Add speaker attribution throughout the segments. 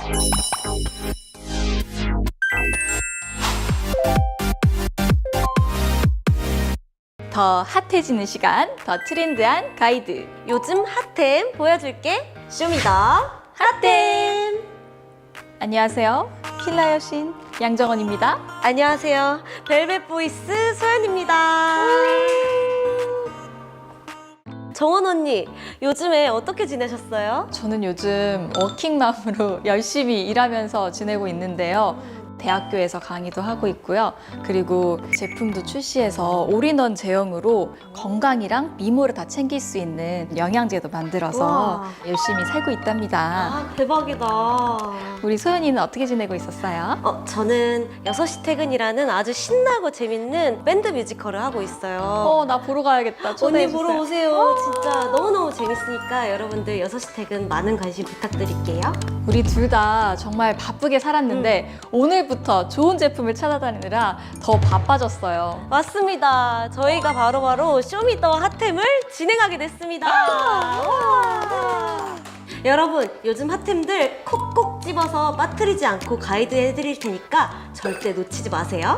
Speaker 1: 더 핫해지는 시간, 더 트렌드한 가이드.
Speaker 2: 요즘 핫템 보여줄게. 쇼미더 핫템.
Speaker 1: 안녕하세요. 킬라 여신 양정원입니다.
Speaker 2: 안녕하세요. 벨벳 보이스 소연입니다. 정원 언니, 요즘에 어떻게 지내셨어요?
Speaker 1: 저는 요즘 워킹맘으로 열심히 일하면서 지내고 있는데요. 대학교에서 강의도 하고 있고요. 그리고 제품도 출시해서 올인원 제형으로 건강이랑 미모를 다 챙길 수 있는 영양제도 만들어서
Speaker 2: 우와.
Speaker 1: 열심히 살고 있답니다.
Speaker 2: 아, 대박이다.
Speaker 1: 우리 소연이는 어떻게 지내고 있었어요?
Speaker 2: 저는 6시 퇴근이라는 아주 신나고 재밌는 밴드 뮤지컬을 하고 있어요.
Speaker 1: 나 보러 가야겠다.
Speaker 2: 언니
Speaker 1: 초대해주세요.
Speaker 2: 보러 오세요. 진짜 너무너무 재밌으니까 여러분들 6시 퇴근 많은 관심 부탁드릴게요.
Speaker 1: 우리 둘 다 정말 바쁘게 살았는데 오늘부터 좋은 제품을 찾아다니느라 더 바빠졌어요.
Speaker 2: 맞습니다. 저희가 바로바로 쇼미더 핫템을 진행하게 됐습니다. 와. 여러분, 요즘 핫템들 콕콕 집어서 빠뜨리지 않고 가이드 해드릴 테니까 절대 놓치지 마세요.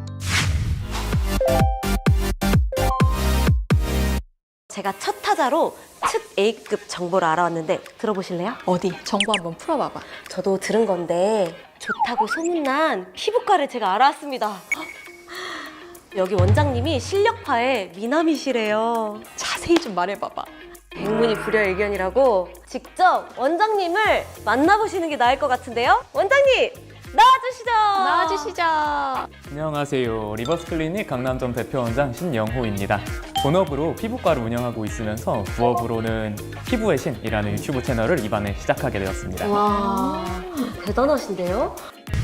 Speaker 2: 제가 첫 타자로 특 A급 정보를 알아왔는데 들어보실래요?
Speaker 1: 어디? 정보 한번 풀어봐봐.
Speaker 2: 저도 들은 건데 좋다고 소문난 피부과를 제가 알아왔습니다. 여기 원장님이 실력파의 미남이시래요.
Speaker 1: 자세히 좀 말해봐봐.
Speaker 2: 백문이 불여일견이라고 직접 원장님을 만나보시는 게 나을 것 같은데요? 원장님, 나와주시죠.
Speaker 1: 나와주시죠.
Speaker 3: 안녕하세요. 리버스 클리닉 강남점 대표원장 신영호입니다. 본업으로 피부과를 운영하고 있으면서 부업으로는 피부의 신이라는 유튜브 채널을 이번에 시작하게 되었습니다.
Speaker 2: 와, 대단하신데요?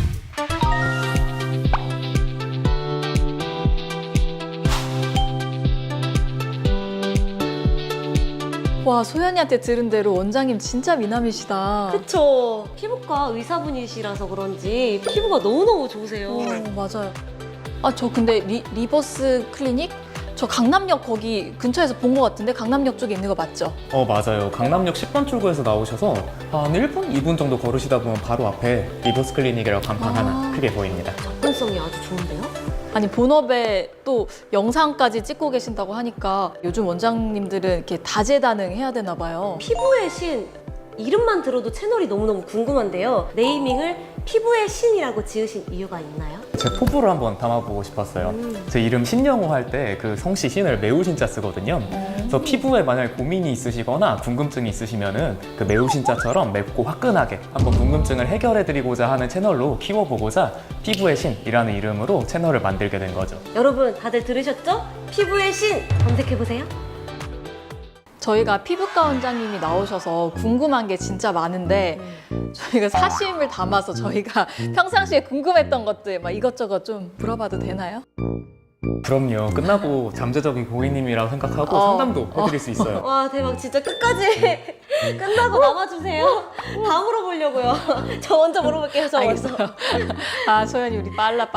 Speaker 1: 와, 소연이한테 들은 대로 원장님 진짜 미남이시다.
Speaker 2: 그쵸. 피부과 의사분이시라서 그런지 피부가 너무너무 좋으세요.
Speaker 1: 맞아요. 저 근데 리버스 클리닉? 저 강남역 거기 근처에서 본 것 같은데 강남역 쪽에 있는 거 맞죠?
Speaker 3: 맞아요. 강남역 10번 출구에서 나오셔서 한 1분, 2분 정도 걸으시다 보면 바로 앞에 리버스 클리닉이라고 간판 하나 크게 보입니다.
Speaker 2: 접근성이 아주 좋은데요?
Speaker 1: 아니 본업에 또 영상까지 찍고 계신다고 하니까 요즘 원장님들은 이렇게 다재다능해야 되나 봐요.
Speaker 2: 피부의 신, 이름만 들어도 채널이 너무너무 궁금한데요. 네이밍을 피부의 신이라고 지으신 이유가 있나요?
Speaker 3: 제 포부를 한번 담아보고 싶었어요. 제 이름 신영호 할 때 그 성씨 신을 매우 신자 쓰거든요. 그래서 피부에 만약 고민이 있으시거나 궁금증이 있으시면은 그 매우 신자처럼 맵고 화끈하게 한번 궁금증을 해결해드리고자 하는 채널로 키워보고자 피부의 신이라는 이름으로 채널을 만들게 된 거죠.
Speaker 2: 여러분 다들 들으셨죠? 피부의 신 검색해보세요.
Speaker 1: 저희가 피부과 원장님이 나오셔서 궁금한 게 진짜 많은데 저희가 사심을 담아서 저희가 평상시에 궁금했던 것들 막 이것저것 좀 물어봐도 되나요?
Speaker 3: 그럼요. 끝나고 잠재적인 고객님이라고 생각하고 상담도 해드릴 수 있어요.
Speaker 2: 와 대박, 진짜 끝까지 끝나고 남아주세요. 다 물어보려고요. 저 먼저 물어볼게요. 저 먼저.
Speaker 1: 알겠어요. 소연이 우리 빨라.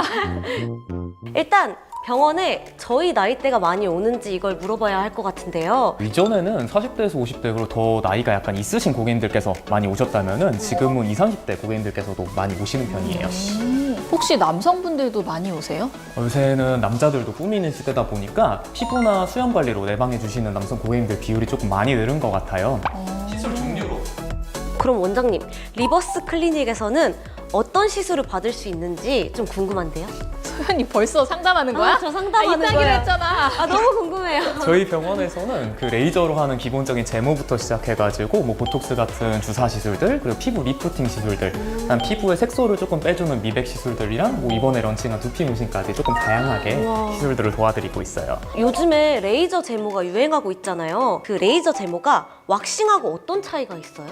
Speaker 2: 일단 병원에 저희 나이대가 많이 오는지 이걸 물어봐야 할 것 같은데요.
Speaker 3: 이전에는 40대에서 50대 그리고 더 나이가 약간 있으신 고객님들께서 많이 오셨다면은 지금은 20, 30대 고객님들께서도 많이 오시는 편이에요.
Speaker 1: 혹시 남성분들도 많이 오세요?
Speaker 3: 요새는 남자들도 꾸미는 시대다 보니까 피부나 수영 관리로 내방해 주시는 남성 고객님들 비율이 조금 많이 늘은 것 같아요. 시술 종류로.
Speaker 2: 그럼 원장님, 리버스 클리닉에서는 어떤 시술을 받을 수 있는지 좀 궁금한데요?
Speaker 1: 소연이 벌써 상담하는 거야?
Speaker 2: 저 상담하는
Speaker 1: 이따기로
Speaker 2: 거예요.
Speaker 1: 했잖아.
Speaker 2: 너무 궁금해요.
Speaker 3: 저희 병원에서는 그 레이저로 하는 기본적인 제모부터 시작해가지고 뭐 보톡스 같은 주사 시술들 그리고 피부 리프팅 시술들 피부의 색소를 조금 빼주는 미백 시술들이랑 뭐 이번에 런칭한 두피 문신까지 조금 다양하게
Speaker 2: 우와.
Speaker 3: 시술들을 도와드리고 있어요.
Speaker 2: 요즘에 레이저 제모가 유행하고 있잖아요. 그 레이저 제모가 왁싱하고 어떤 차이가 있어요?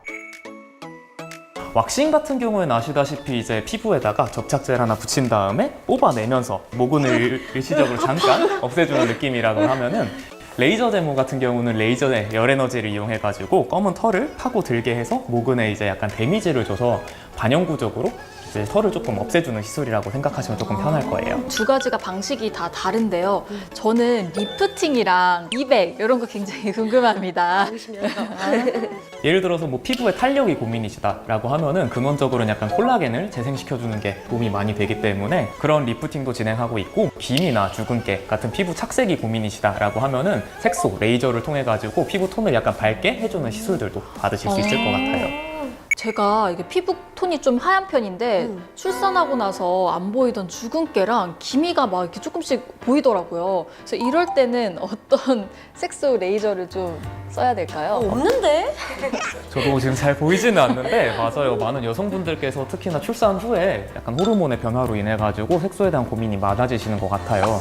Speaker 3: 왁싱 같은 경우에는 아시다시피 이제 피부에다가 접착제를 하나 붙인 다음에 뽑아내면서 모근을 일시적으로 잠깐 없애주는 느낌이라고 하면은 레이저 제모 같은 경우는 레이저의 열 에너지를 이용해가지고 검은 털을 파고 들게 해서 모근에 이제 약간 데미지를 줘서 반영구적으로 이제 털을 조금 없애주는 시술이라고 생각하시면 조금 편할 거예요.
Speaker 1: 두 가지가 방식이 다 다른데요. 저는 리프팅이랑 미백 이런 거 굉장히 궁금합니다.
Speaker 2: 보시면서
Speaker 3: 예를 들어서 뭐 피부에 탄력이 고민이시다라고 하면은 근원적으로는 약간 콜라겐을 재생시켜주는 게 도움이 많이 되기 때문에 그런 리프팅도 진행하고 있고, 기미나 주근깨 같은 피부 착색이 고민이시다라고 하면은 색소, 레이저를 통해 가지고 피부 톤을 약간 밝게 해주는 시술들도 받으실 수 있을 것 같아요.
Speaker 1: 제가 이게 피부 톤이 좀 하얀 편인데 출산하고 나서 안 보이던 주근깨랑 기미가 막 이렇게 조금씩 보이더라고요. 그래서 이럴 때는 어떤 색소 레이저를 좀 써야 될까요?
Speaker 2: 없는데?
Speaker 3: 저도 지금 잘 보이지는 않는데 맞아요. 많은 여성분들께서 특히나 출산 후에 약간 호르몬의 변화로 인해 가지고 색소에 대한 고민이 많아지시는 것 같아요.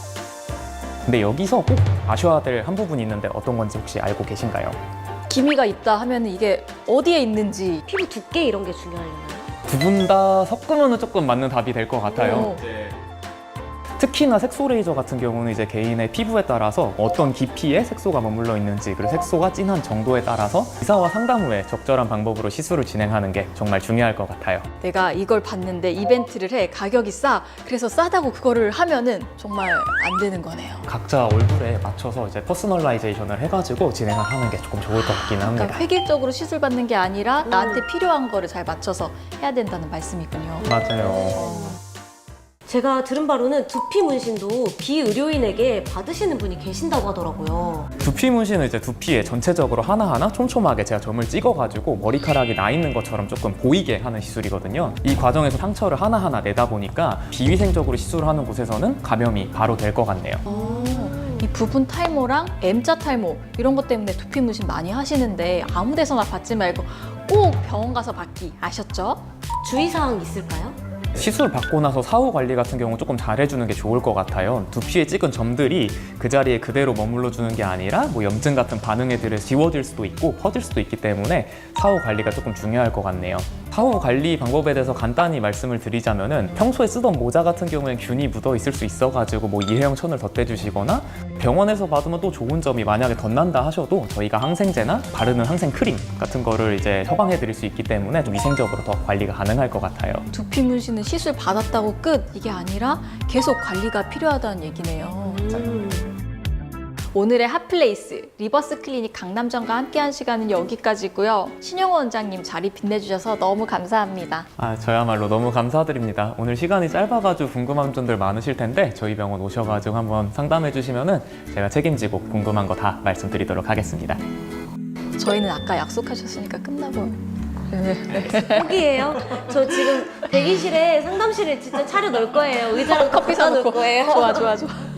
Speaker 3: 근데 여기서 꼭 아셔야 될 한 부분이 있는데 어떤 건지 혹시 알고 계신가요?
Speaker 1: 기미가 있다 하면 이게 어디에 있는지.
Speaker 2: 피부 두께 이런 게 중요하려나요?
Speaker 3: 두 분 다 섞으면 조금 맞는 답이 될 것 같아요. 특히나 색소 레이저 같은 경우는 이제 개인의 피부에 따라서 어떤 깊이에 색소가 머물러 있는지, 그리고 색소가 진한 정도에 따라서 의사와 상담 후에 적절한 방법으로 시술을 진행하는 게 정말 중요할 것 같아요.
Speaker 1: 내가 이걸 봤는데 이벤트를 해, 가격이 싸, 그래서 싸다고 그거를 하면은 정말 안 되는 거네요.
Speaker 3: 각자 얼굴에 맞춰서 이제 퍼스널라이제이션을 해가지고 진행하는 게 조금 좋을 것 같긴 합니다.
Speaker 1: 그러니까 획일적으로 시술 받는 게 아니라 나한테 필요한 거를 잘 맞춰서 해야 된다는 말씀이군요.
Speaker 3: 맞아요.
Speaker 2: 제가 들은 바로는 두피 문신도 비의료인에게 받으시는 분이 계신다고 하더라고요.
Speaker 3: 두피 문신은 이제 두피에 전체적으로 하나하나 촘촘하게 제가 점을 찍어가지고 머리카락이 나 있는 것처럼 조금 보이게 하는 시술이거든요. 이 과정에서 상처를 하나하나 내다 보니까 비위생적으로 시술을 하는 곳에서는 감염이 바로 될 것 같네요.
Speaker 1: 이 부분 탈모랑 M자 탈모 이런 것 때문에 두피 문신 많이 하시는데 아무 데서나 받지 말고 꼭 병원 가서 받기 아셨죠?
Speaker 2: 주의사항 있을까요?
Speaker 3: 시술 받고 나서 사후 관리 같은 경우 조금 잘해주는 게 좋을 것 같아요. 두피에 찍은 점들이 그 자리에 그대로 머물러 주는 게 아니라 뭐 염증 같은 반응에 들어 지워질 수도 있고 퍼질 수도 있기 때문에 사후 관리가 조금 중요할 것 같네요. 사후 관리 방법에 대해서 간단히 말씀을 드리자면은 평소에 쓰던 모자 같은 경우엔 균이 묻어 있을 수 있어가지고 뭐 일회용 천을 덧대주시거나, 병원에서 받으면 또 좋은 점이 만약에 덧난다 하셔도 저희가 항생제나 바르는 항생 크림 같은 거를 이제 처방해 드릴 수 있기 때문에 좀 위생적으로 더 관리가 가능할 것 같아요.
Speaker 1: 두피 문신은 시술 받았다고 끝 이게 아니라 계속 관리가 필요하다는 얘기네요. 오늘의 핫플레이스 리버스 클리닉 강남점과 함께한 시간은 여기까지고요. 신영호 원장님 자리 빛내주셔서 너무 감사합니다.
Speaker 3: 저야말로 너무 감사드립니다. 오늘 시간이 짧아가지고 궁금한 점들 많으실 텐데 저희 병원 오셔가지고 한번 상담해 주시면은 제가 책임지고 궁금한 거 다 말씀드리도록 하겠습니다.
Speaker 1: 저희는 아까 약속하셨으니까 끝나고.
Speaker 2: 포기예요. 저 지금 대기실에 상담실을 진짜 차려 놓을 거예요. 의자랑
Speaker 1: 커피
Speaker 2: 갖다 놓을
Speaker 1: 사놓고.
Speaker 2: 거예요.
Speaker 1: 좋아.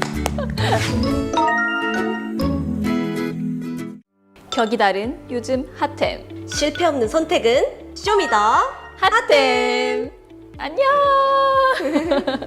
Speaker 1: 격이 다른 요즘 핫템.
Speaker 2: 실패 없는 선택은 쇼미더
Speaker 1: 핫템. 안녕.